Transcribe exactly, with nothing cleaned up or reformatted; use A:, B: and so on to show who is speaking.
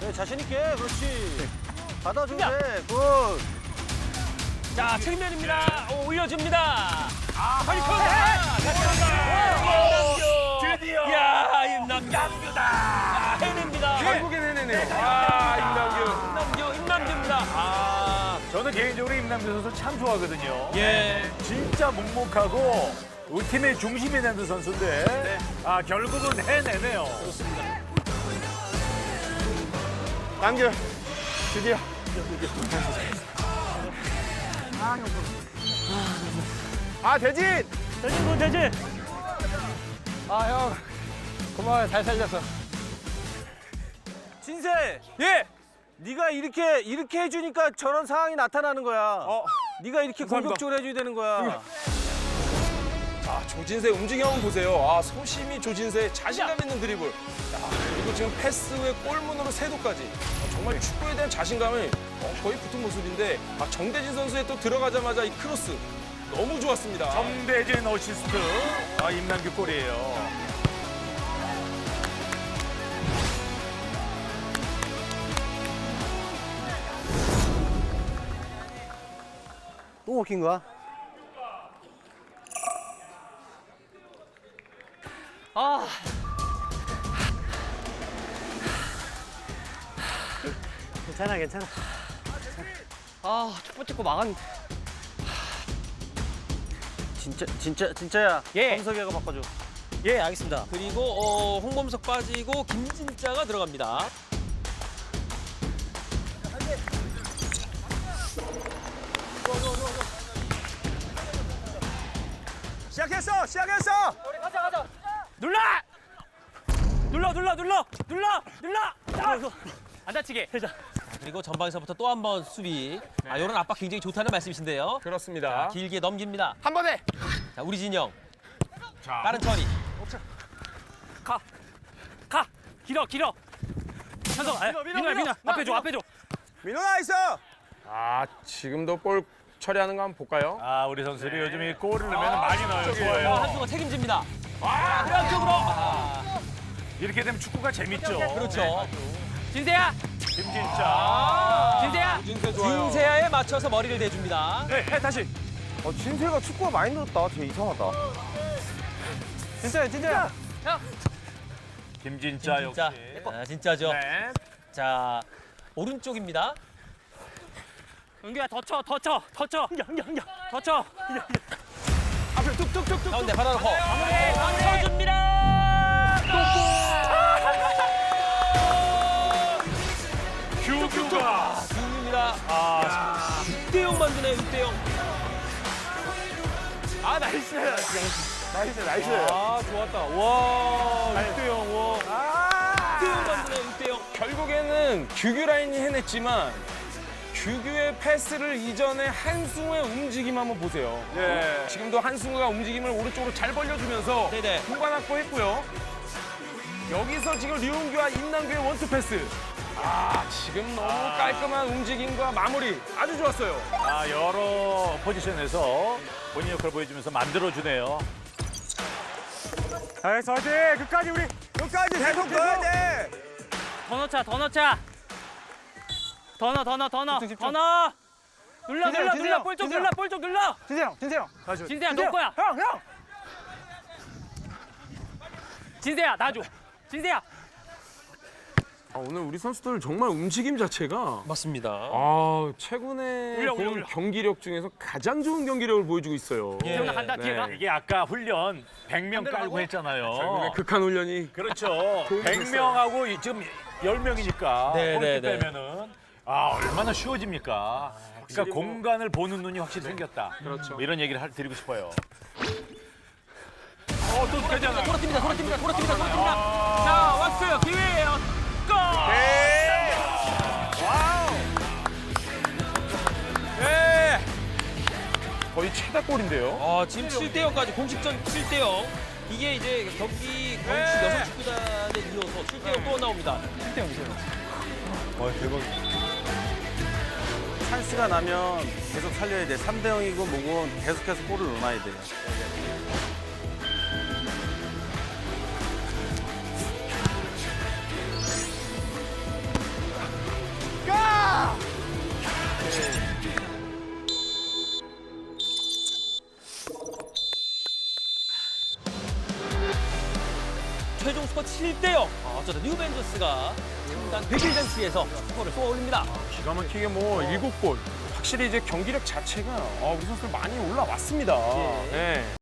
A: 네, 자신 있게. 그렇지. 받아줘 돼. 굿.
B: 자, 측면입니다. 오, 올려줍니다. 아, 허리커!
C: 드디어.
B: 이야, 임남규.
C: 임남규다.
B: 야, 해냅니다.
C: 결국엔 해내네요. 아, 임남규.
B: 임남규, 임남규입니다. 아,
C: 저는 개인적으로 임남규 선수 참 좋아하거든요.
B: 예.
C: 진짜 묵묵하고 우리 팀의 중심이 되는 선수인데
B: 네.
C: 아 결국은 해내네요.
B: 그렇습니다.
A: 남규. 드디어. 아, 대진!
B: 대진, 군 대진.
A: 아, 형. 고마워요. 잘 살렸어. 진세!
B: 예.
A: 네가 이렇게 이렇게 해주니까 저런 상황이 나타나는 거야.
C: 어,
A: 네가 이렇게
C: 감사합니다.
A: 공격적으로 해줘야 되는 거야.
D: 아, 조진세 움직임 한번 보세요. 아, 소심이 조진세 자신감 있는 드리블. 야, 그리고 지금 패스 후에 골문으로 세도까지. 아, 정말 축구에 대한 자신감을 어, 거의 붙은 모습인데 아, 정대진 선수의 또 들어가자마자 이 크로스 너무 좋았습니다.
C: 정대진 어시스트. 아 임남규 골이에요.
A: 또 먹힌 거야?
B: 아.
A: 괜찮아, 괜찮아.
B: 아, 첫 번째 거 막았는데.
A: 진짜, 진짜, 진짜야.
B: 예.
A: 범석이가 바꿔줘.
B: 예, 알겠습니다. 그리고 어, 홍범석 빠지고 김진짜가 들어갑니다.
C: 시작했어, 시작했어.
B: 눌러! 눌러, 눌러, 눌러, 눌러, 눌러! 자! 안 다치게. 자, 그리고 전방에서부터 또 한 번 수비. 아, 이런 압박 굉장히 좋다는 말씀이신데요.
D: 그렇습니다.
B: 길게 넘깁니다.
D: 한 번에.
B: 자, 우리 진영.
C: 자,
B: 빠른 처리. 가. 가. 길어, 길어. 현석, 민호야, 민호야. 앞에 줘, 앞에 줘.
A: 민호 나이스!
D: 아, 지금도 볼 처리하는 거 한번 볼까요?
C: 아 우리 선수들이 요즘 이 골을 넣으면 많이 넣어요.
B: 어,
C: 좋아요.
B: 한수가 책임집니다. 아, 그쪽으로. 아,
C: 이렇게 되면 축구가 재밌죠.
B: 그렇죠. 진세야.
C: 김진짜.
B: 진세야.
D: 조진세 좋아요.
B: 진세야에 맞춰서 머리를 대줍니다.
C: 네, 해 다시.
A: 어, 진세가 축구가 많이 늘었다. 되게 이상하다. 진짜야, 진짜야.
C: 김진짜 역시.
B: 진짜. 아, 진짜죠.
C: 네.
B: 자, 오른쪽입니다. 은규야, 더 쳐, 더 쳐, 더 쳐. 더 쳐.
D: 앞에 뚝뚝뚝뚝.
B: 가운데 받아놓고. 마무리, 쳐줍니다.
C: 규규가.
B: 중입니다.
C: 아,
B: 육 대 영 만드네요, 육 대 영.
C: 아 나이스.
A: 나이스, 나이스.
B: 아, 좋았다. 와,
C: 육 대 영. 와.
B: 육 대 영 만드네요, 육 대 영.
D: 결국에는 규규 라인이 해냈지만 규규의 패스를 이전에 한승우의 움직임 한번 보세요.
C: 예.
D: 지금도 한승우가 움직임을 오른쪽으로 잘 벌려주면서
B: 네네.
D: 공간 확보했고요. 여기서 지금 류은규와 임남규의 원투 패스. 아, 지금 너무 깔끔한 움직임과 마무리 아주 좋았어요.
C: 아 여러 포지션에서 본인 역할을 보여주면서 만들어주네요. 알겠어, 화이팅! 끝까지 우리 끝까지 계속 넣어야 돼.
B: 더 넣자, 더 넣자. 더 넣어, 더 넣어, 더 넣어. 더 넣어. 눌러,
A: 진세형,
B: 눌러, 눌러.
A: 진세형,
B: 볼 쪽
A: 진세형.
B: 눌러, 볼 쪽 눌러.
A: 진세형, 진세형.
B: 진세야, 너 거야.
A: 형, 형.
B: 진세야, 놔줘. 진세야.
D: 아, 오늘 우리 선수들 정말 움직임 자체가
B: 맞습니다.
D: 아, 최근에
B: 올려,
D: 본
B: 올려, 올려.
D: 경기력 중에서 가장 좋은 경기력을 보여주고 있어요.
B: 예. 태훈아 간다, 뒤에 가.
C: 이게 아까 훈련 백 명 깔고
D: 결국에
C: 했잖아요.
D: 극한 훈련이
C: 그렇죠. 백 명하고 지금 열 명이니까
B: 네,
C: 골키
B: 네, 네.
C: 빼면은 아 얼마나 쉬워집니까? 그러니까 공간을 보는 눈이 확실히 생겼다.
D: 그렇죠.
C: 뭐 이런 얘기를 할- 드리고 싶어요. 어, 또 되잖아.
B: 돌아팁니다, 돌아팁니다, 돌아팁니다, 돌아팁니다. 자, 왔어요. 기회예요. 골!
C: 네. 와우.
D: 네. 거의 최다골인데요.
B: 어, 지금 칠 대 영까지 공식전 칠 대 영. 이게 이제 경기 광주
C: 네.
B: 여성 축구단에 이어서 칠 대 영 또 나옵니다. 칠 대 영이세요.
A: 찬스가 나면 계속 살려야 돼. 삼 대 영이고 뭐고 계속해서 골을 넣어놔야 돼.
B: 최종 스코어 칠 대 영. 아, 어쩌다 뉴벤져스가 창단 백 일 잔치에서 스코어를 쏘아 올립니다.
D: 기가 막히게 뭐 일곱 골. 확실히 이제 경기력 자체가 어, 우리 선수들 많이 올라왔습니다.
B: 예.
D: 네.